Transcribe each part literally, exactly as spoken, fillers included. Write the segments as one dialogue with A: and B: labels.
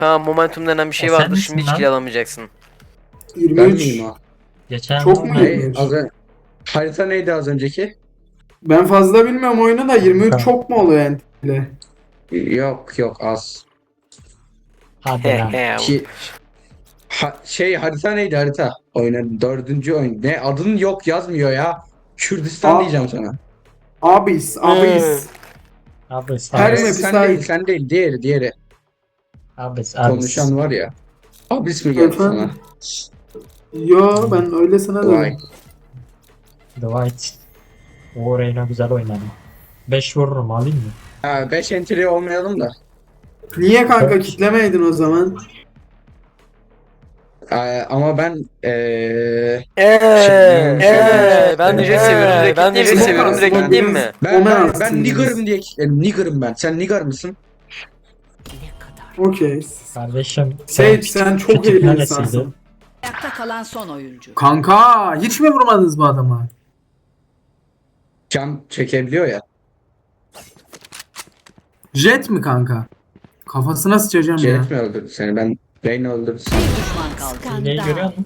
A: Tamam, momentum denen bir şey
B: O sen
A: vardır.
B: misin
A: Şimdi hiç
B: lan?
A: kill alamayacaksın.
C: Ben
D: yirmi üç.
C: miyim o?
B: Geçen
D: Çok mu?
C: Ne? Az önce... Harita neydi az önceki?
D: Ben fazla bilmiyorum oyunu da yirmi üç
B: Kanka.
D: çok mu oluyor N T L'de?
C: Yok yok az.
B: Hadi lan.
A: He he.
C: Ki... Ha, şey harita neydi harita? Oyunun dördüncü oyun. Ne adın yok yazmıyor ya. Kürdistan
D: Aa.
C: diyeceğim sana.
D: Abis, abis.
B: Abis,
D: Her
B: abis,
D: map-
C: sen
D: sahip.
C: değil sen değil diğeri diğeri.
B: abis, abis.
C: Konuşan var ya. Abis mi geldi sana?
D: Efendim? Yo ben öylesine
C: Vay.
D: dedim.
B: Dwight. O Reyna güzel oynadı. beş vururum, alayım mı?
C: Ha beş entry olmayalım da.
D: Niye kanka
B: Evet.
D: kitlemeydin o zaman?
C: Ee, ama ben ee,
A: Eee,
C: Şimdi-
A: eee, ben de jet seviyorum. Direkt
C: Ben de
A: gideyim
C: jet
A: mi?
C: seviyorum,
A: Direkt
D: direkt
A: gideyim
D: gideyim.
A: mi?
C: ben
D: Omen
C: ben, ben
D: aslında.
C: nigger'ım diye kitledim. Nigger'ım ben. Sen nigger mısın?
D: Okey.
B: Kardeşim.
D: Sage sen çok iyi
B: küçük
D: bir
B: neresiydi?
D: insansın.
E: Ayakta kalan son oyuncu.
D: Kanka hiç mi vurmadınız bu adama?
C: Can çekebiliyor ya.
D: Jet mi kanka? Kafasına sıçacağım ya.
C: Jet mi öldürdü seni? Ben Reyna öldürdü seni.
E: Bir düşman kaldı.
B: Neyi görüyor musun?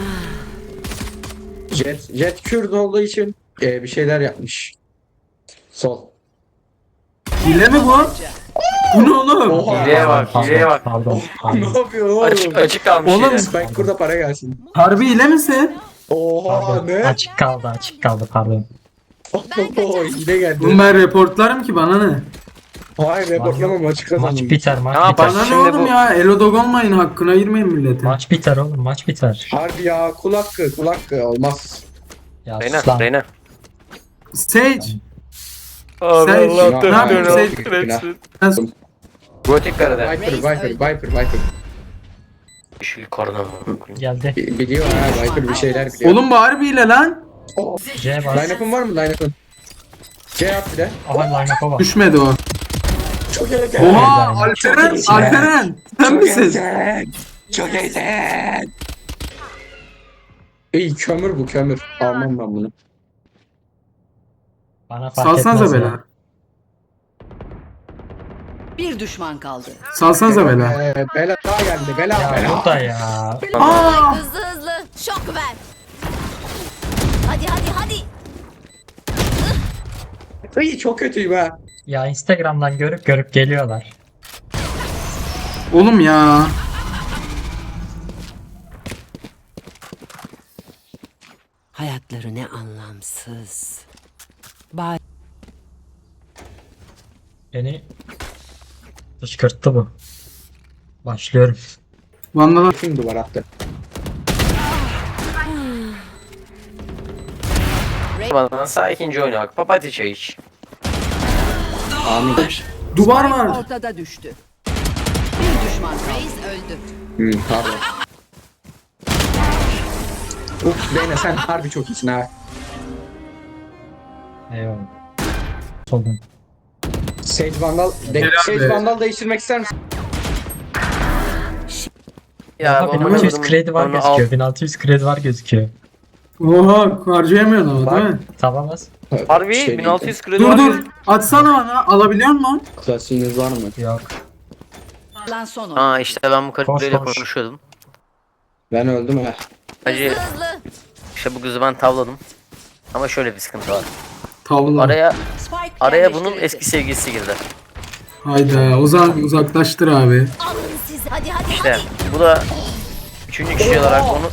C: Jet, Jet Kürt olduğu için ee, bir şeyler yapmış. Sol.
D: Hile mi bu? Bu ne oğlum?
C: Oha.
A: Hileye bak,
B: Pardon,
A: hileye bak.
B: Pardon,
C: ne
B: pardon.
C: yapıyor oğlum?
A: Açık açık kalmış
D: Oğlum,
A: yine.
C: Spike kurda para gelsin.
D: Harbi hile misin?
C: Oha
B: Pardon.
C: ne?
B: Açık kaldı, açık kaldı, pardon.
C: Oho yine geldi.
D: Bunu ben reportlarım ki bana ne?
C: Hayır reportlamam açık
B: Maç
C: kazandım.
B: biter, maç
A: Ya
B: biter.
A: bak-
D: Bana ne
A: Şimdi
D: oğlum
A: bu-
D: ya? Elodog olmayın hakkına girmeyin milletin.
B: Maç biter oğlum, maç biter.
C: Harbi ya kul hakkı kul hakkı olmaz.
B: Ya
A: Reyna,
B: sus lan.
A: Reyna.
D: Sage.
A: Abi
D: Sen-
A: Allah
C: Ne
A: dört
D: yapıyorsun?
A: dört
D: Sen-
A: hepsi.
D: Nasıl-
A: Gotik karada.
C: Viper Viper Viper Viper.
A: Yeşil kardan.
B: Geldi.
C: Bi- Biliyor ha Viper bir şeyler biliyor.
D: Oğlum bu harbi hile lan.
C: Oh.
B: C bas.
C: Line-up'ın var mı line-up'ın? C yap bir de.
B: Aha line-up'a bak.
D: Düşmedi o.
C: Çok iyi.
D: Oha
B: Çok
D: Alperen,
C: iyisin.
D: Alperen. Sen misin?
C: iyisin. Çok iyisin. İyi kömür bu kömür. Almam ben bunu.
B: Bana fark
D: Salsanıza
B: etmez ya.
D: bela.
E: Bir düşman kaldı.
D: Salsanıza bela.
C: Ee, bela daha geldi. Bela
B: Ya
C: bela.
B: burada ya.
D: Aa!
F: Hızlı hızlı. Şok ver. Hadi hadi hadi.
C: İyi çok kötüyüm ha.
B: Ya Instagram'dan görüp görüp geliyorlar.
D: Oğlum ya.
E: Hayatları ne anlamsız. Bari
B: Beni kışkırttı bu. Başlıyorum.
D: Vandala.
C: Kim duvar attı?
A: Bana sağ ikinci oyuna bak. Papatya çay iç.
C: Amin.
D: Duvar var.
E: ortada düştü. Bir düşman kaldı.
F: Reis öldü.
C: Hmm, pardon. Uf Reyna sen harbi çok iyisin ha.
B: Eyvallah. Soldan.
C: Sage Vandal, de,
D: Helal
C: Sage
D: be.
C: Vandal değiştirmek ister misin?
A: Ya
B: Aha,
A: bu
B: bin altı yüz
A: adamın-
B: kredi var
A: onu al.
B: gözüküyor. bin altı yüz kredi var gözüküyor.
D: Oha harcayamıyorsun ama değil mi?
B: Tamam az.
A: Harbi
C: Şey
A: bin altı yüz kredi
D: Dur
A: var.
D: dur. Atsana bana. Alabiliyor musun?
C: Klasiğiniz var mı?
B: Yok.
E: Kalan son oyuncu.
A: Aa işte ben bu karıyla
B: Koş, koş.
A: konuşuyordum.
C: Ben öldüm ha.
A: Hacı
F: Hızlı hızlı.
A: işte bu kızı ben tavladım. Ama şöyle bir sıkıntı var.
D: Tavla.
A: Araya
E: Spike
A: araya bunun
E: yerleştirildi.
A: eski sevgilisi girdi.
D: Hayda o zaman uzaklaştır abi.
F: Alın sizi. Hadi hadi
A: İşte
F: hadi.
A: bu da üçüncü kişi olarak onu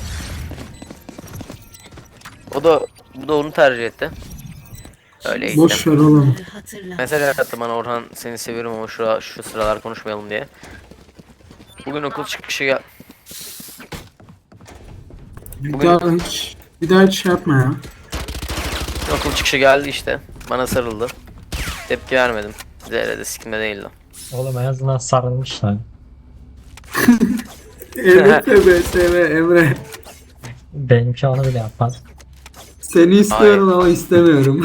A: o da bu da onu tercih etti. Öyle işte.
D: Boş ver oğlum.
A: Mesaj attı bana, Orhan seni seviyorum ama şu, şu sıralar konuşmayalım diye. Bugün okul çıkışı gel.
D: Bir
A: Bugün-
D: daha hiç bir daha hiç şey yapma ya.
A: Okul çıkışı geldi işte. Bana sarıldı. Tepki vermedim. Zerrede sikimde değildi.
B: Oğlum en azından sarılmışlar.
D: Evet be seve Emre.
B: Benimki onu bile yapmaz.
D: Seni istiyorum ama istemiyorum.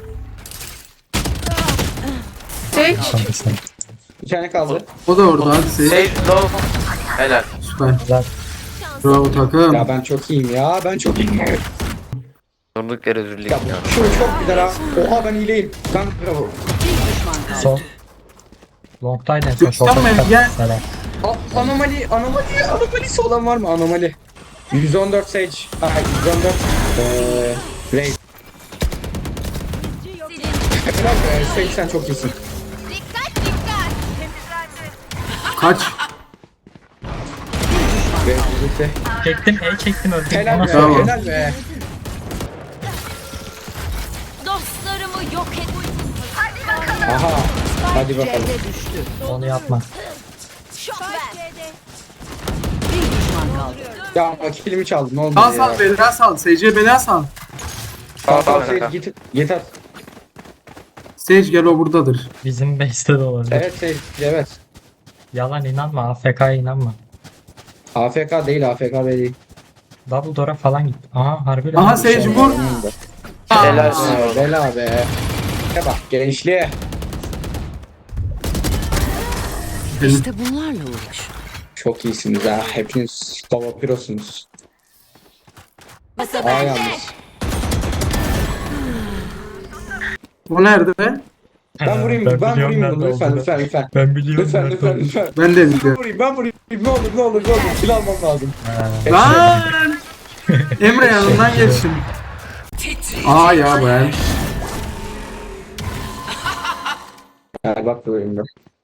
B: Tabii sen.
C: Bir tane kaldı.
D: O da orada hadi Sage.
A: Sage low. Helal.
D: Süper.
B: Güzel.
D: Bravo takım.
C: Ya ben çok iyiyim ya. Ben çok iyiyim.
A: Durduk yere üzüldük
C: Ya
A: ya.
C: şu çok güzel ha. Oha ben iyileyim. Ben bravo.
E: Bir düşman kaldı.
B: Son. Long'taydı en son.
D: Göster
B: Short'a
D: mi?
B: çıkarttı.
D: Gel.
B: Helal.
C: A- anomali, anomali, anomalisi olan var mı? Anomali. yüz on dört Sage. Ha, yüz on dört. Eee... Raid. Helal be, Sage sen çok iyisin.
F: Dikkat dikkat.
D: Kaç.
C: Raid birlikte.
B: Çektim, E çektim öldüm.
C: Helal
B: Ona
C: be,
D: Tamam.
C: helal be.
F: Dostlarımı yok et.
C: Aha. Hadi bakalım.
E: C'de düştü.
B: Onu yapma.
F: Şok ver.
E: Bir düşman kaldı.
C: Ya ama kilimi çaldım, ne oldu
D: Sal
C: ya?
D: sal bela sal. S C bela sal.
C: Sağ
A: Sağ ol
C: sağ Sage
A: kanka.
C: git, git at.
D: Sage gel o buradadır.
B: Bizim base'te de olabilir.
C: Evet Sage, evet.
B: Yalan inanma. A F K'ya inanma.
C: A F K değil, A F K değil.
B: Double door'a falan gitti. Aha harbi lan.
D: Aha Sage vur.
A: Helal
C: Aa,
A: olsun.
C: bela be. Ya bak gençliğe.
E: İşte bunlarla uğraş.
C: Çok iyisiniz ha. Hepiniz baba pirosunuz.
F: Masa
C: Aa
F: bende.
C: yalnız.
D: O nerede?
C: Ben vurayım, ben,
B: biliyorum
C: vurayım
B: nerede
C: bunu lütfen,
B: olduğunu.
C: lütfen, lütfen.
B: Ben biliyorum.
C: Lütfen,
B: nerede
C: lütfen,
B: olduğunu.
C: lütfen.
D: Ben de
C: Ben
D: biliyorum.
C: vurayım, ben vurayım. Ne olur, ne olur, ne olur. Silah almam lazım.
B: Ha.
D: Lan! Emre yanından geçsin. Aa ya ben.
C: Ha, bak vurayım ben.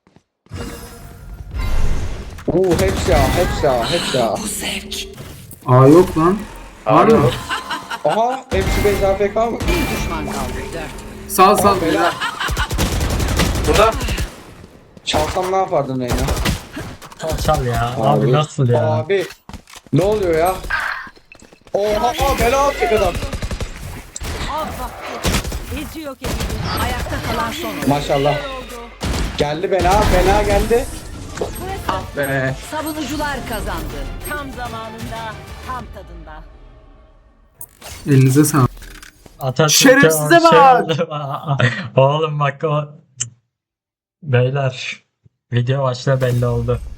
C: Oo hepsi ha, hepsi ha, hepsi ha.
D: Aa yok lan. Var mı?
C: Aha, hepsi bez A F K mı?
E: Bir düşman kaldı. Dört.
D: Sal sal
C: Bela.
D: bela.
A: Burada.
C: Çalsam ne yapardın Reyna?
B: Çal çal ya. Abi, nasıl ya?
C: Abi. Ne oluyor ya? Oha, aa, bela atacak adam.
E: Ayakta kalan son oyun.
C: Maşallah. Geldi bela, bela geldi.
D: Be.
E: Savunucular kazandı.
G: Tam zamanında, tam tadında.
D: Elinize sağlık.
B: Atatürk'e
D: Şerefsize
B: o şey
D: bak!
B: oldu. Oğlum bak o. Beyler. Video başta belli oldu.